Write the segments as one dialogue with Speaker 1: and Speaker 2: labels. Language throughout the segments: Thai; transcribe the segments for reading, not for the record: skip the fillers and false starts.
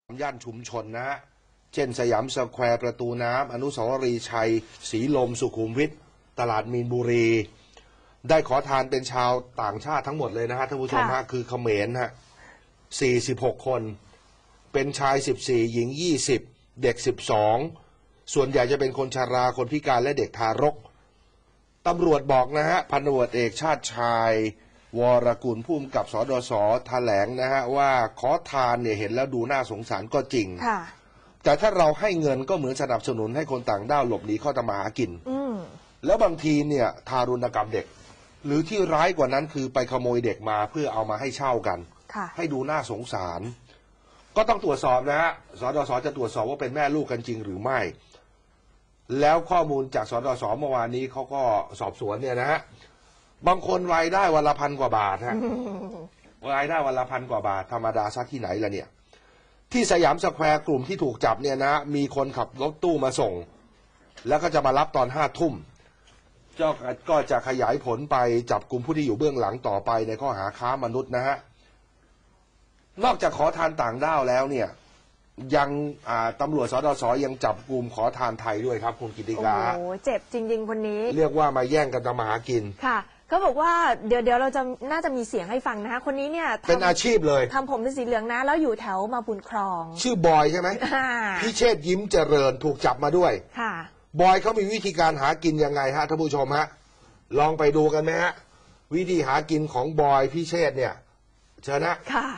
Speaker 1: ย่านชุมชนนะฮะเช่นสยามสแควร์ประตูน้ำอนุสาวรีย์ชัยศรีลมสุขุมวิทตลาดมีนบุรีได้ขอทานเป็นชาวต่างชาติทั้งหมดเลยนะฮะท่านผู้ชมฮะคือเขมรฮะ46 คนเป็นชาย14หญิง20เด็ก12ส่วนใหญ่จะเป็นคนชราคนพิการและเด็กทารกตำรวจบอกนะฮะพันตำรวจเอกชาติชายวรกุลผู้กำกับสดส.แถลงนะฮะว่าขอทานเนี่ยเห็นแล้วดูน่าสงสารก็จริงแต่ถ้าเราให้เงินก็เหมือนสนับสนุนให้คนต่างด้าวหลบหนีเข้าทำมาหากินแล้วบางทีเนี่ยทารุณกรรมเด็กหรือที่ร้ายกว่านั้นคือไปขโมยเด็กมาเพื่อเอามาให้เช่ากันให้ดูน่าสงสารก็ต้องตรวจสอบนะฮะสดส.จะตรวจสอบว่าเป็นแม่ลูกกันจริงหรือไม่แล้วข้อมูลจากสดส.เมื่อวานนี้เขาก็สอบสวนเนี่ยนะฮะบางคนรายได้วันละ1,000 กว่าบาทฮะรายได้วันละ1,000 กว่าบาทธรรมดาซะที่ไหนล่ะเนี่ยที่สยามสแควร์กลุ่มที่ถูกจับเนี่ยนะมีคนขับรถตู้มาส่งแล้วก็จะมารับตอน5 ทุ่มก็จะขยายผลไปจับกลุ่มผู้ที่อยู่เบื้องหลังต่อไปในข้อหาค้ามนุษย์นะฮะนอกจากขอทานต่างด้าวแล้วเนี่ยยังตำรวจสดส.ยังจับกลุ่มขอทานไทยด้วยครับคุณกิติกา
Speaker 2: โอ้โหเจ็บจริงๆคนนี้
Speaker 1: เรียกว่ามาแย่งกันทำมาหากิน
Speaker 2: ค่ะก็บอกว่าเดี๋ยวเราจะน่าจะมีเสียงให้ฟังนะคะคนนี้เนี่ย
Speaker 1: เป็นอาชีพเลย
Speaker 2: ทำผมเป็นสีเหลืองนะแล้วอยู่แถวมาบุญครอง
Speaker 1: ชื่อบอยใช่ไหมพิเชษยิ้มเจริญถูกจับมาด้วย
Speaker 2: ค่ะ
Speaker 1: บอยเขามีวิธีการหากินยังไงฮะท่านผู้ชมฮะลองไปดูกันไหมฮะวิธีหากินของบอยพิเชษเนี่ยเชิญนะ
Speaker 2: ค่ะ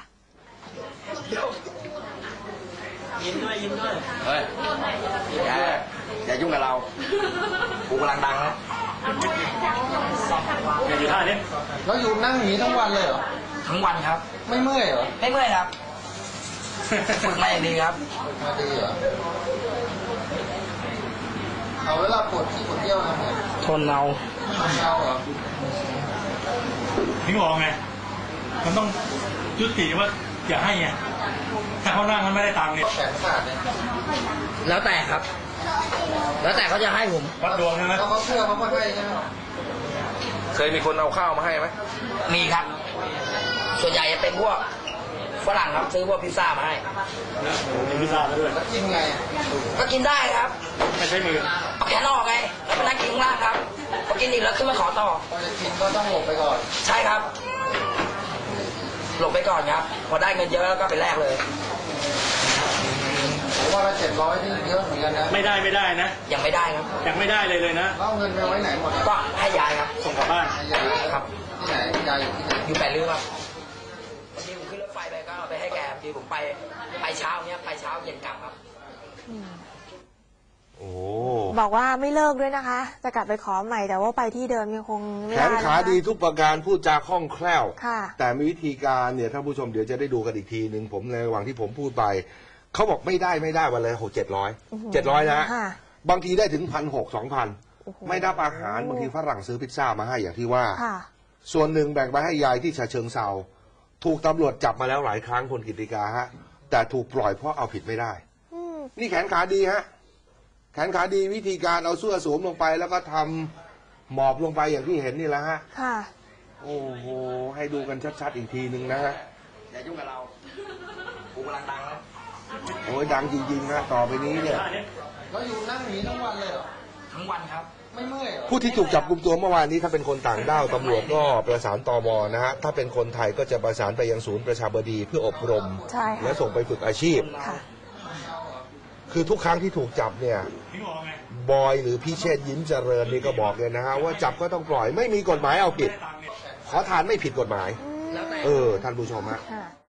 Speaker 3: ยิ้มด้วยเฮ้ยอย่ายุ่งกับเรากูกำลังดังนะอย่าอยู่ท่านี้
Speaker 4: แล้วอยู่นั่งอย่างนี้ทั้งวันเลยเหรอ
Speaker 3: ทั้งวันครับ
Speaker 4: ไม่เมื่อยเหรอ
Speaker 3: ไม่เมื่อยครับฝึกมาอย่างดีครับ
Speaker 4: มาดีเหรอเอาเวลาปวดขี้ปวดเยี่ยวทำไง
Speaker 3: ทนเอา
Speaker 4: เหรอ
Speaker 5: ถึงบอกไงมันต้องยุติว่าอย่าให้ไงถ้าเขานั่งมันไม่ได้ตังค์เนี่ย
Speaker 4: แขนขาดเนี่ย
Speaker 3: แล้วแต่ครับแล้วแต่เขาจะให้ผม
Speaker 5: วัดดวงใช่ไหม
Speaker 4: เขาเชื่อเขาก็ให้ใช่ไหม
Speaker 1: เคยมีคนเอาข้าวมาให้ไหม
Speaker 3: มีครับส่วนใหญ่จะเป็นพวกฝรั่งครับซื้อพวกพิซซ่ามาให้
Speaker 5: มีพิซซ่าด้วย
Speaker 4: แล้วกินไง
Speaker 3: ก็กินได้ครับ
Speaker 5: ไม่ใช่มือ
Speaker 3: เอาแขนออกไงแล้วไปนั่งกินข้างล่างครับพอกินอีกแล้วขึ้นมาขอต่อ
Speaker 4: พอจะกินก็ต้องหลบไปก่อน
Speaker 3: ใช่ครับหลบไปก่อนครับพอได้เงินเยอะแล้วก็ไปแลกเลย
Speaker 4: ผมว่า700นี่เยอะเหมือนกันนะ
Speaker 5: ไม่ได้นะ
Speaker 3: ยังไม่ได้ครับ
Speaker 5: ยังไม่ได้เลยนะ
Speaker 4: เอาเงินไปไว้ไหนหมด
Speaker 3: ก็ให้ยายครับ
Speaker 5: ส่งกลับบ้าน
Speaker 3: ครับ
Speaker 4: ที่ไหนยายอยู่ที่ไหน
Speaker 3: อยู่แปดริ้วครับวันนี้ผมขึ้นรถไฟไปก็เอาไปให้แกบางทีผมไปเช้าเนี้ยไปเช้าเย็นกลับครับ
Speaker 1: โอ้
Speaker 2: บอกว่าไม่เลิกด้วยนะคะจะกลับไปขอใหม่แต่ว่าไปที่เดิมยังคงไม่ได้
Speaker 1: แขนขาดีทุกประการพูดจาคล่องแคล่ว
Speaker 2: ค่ะ
Speaker 1: แต่มีวิธีการเนี่ยท่านผู้ชมเดี๋ยวจะได้ดูกันอีกทีหนึ่งผมในระหว่างที่ผมพูดไปเขาบอกไม่ได้วันเลย700นะบางทีได้ถึง1,600 2,000ไม่ได้อาหารบางทีฝรั่งซื้อพิซซ่ามาให้อย่างที่ว่าส่วนหนึ่งแบ่งไปให้ยายที่ฉะเชิงเทราถูกตำรวจจับมาแล้วหลายครั้งคนกิติกาฮะแต่ถูกปล่อยเพราะเอาผิดไม่ได้นี่แขนขาดีฮะแขนขาดีวิธีการเอาเสื้อสวมลงไปแล้วก็ทำหมอบลงไปอย่างที่เห็นนี่แหละฮะโอ้โหให้ดูกันชัดๆอีกทีหนึ่งนะฮะ
Speaker 3: อย่ายุ่งกับเรากูกำลังดังนะ
Speaker 1: โอ้ยดังจริงๆนะต่อไปนี้เนี่ย
Speaker 4: แล้วอยู่นั่งอย่างนี้ทั้งวันเลยเหรอ
Speaker 3: ทั้งวันครับ
Speaker 4: ไม่เมื่อยเหรอ
Speaker 1: ผู้ที่ถูกจับกุมตัวเมื่อวานนี้ถ้าเป็นคนต่างด้าวตำรวจก็ประสานตม.นะฮะถ้าเป็นคนไทยก็จะประสานไปยังศูนย์ประชาบดีเพื่ออบรมและส่งไปฝึกอาชีพคือทุกครั้งที่ถูกจับเนี่ยบอยหรือพิเชษยิ้มเจริญนี่ก็บอกเลยนะฮะว่าจับก็ต้องปล่อยไม่มีกฎหมายเอาผิดขอทานไม่ผิดกฎหมายท่านผู้ชมฮะ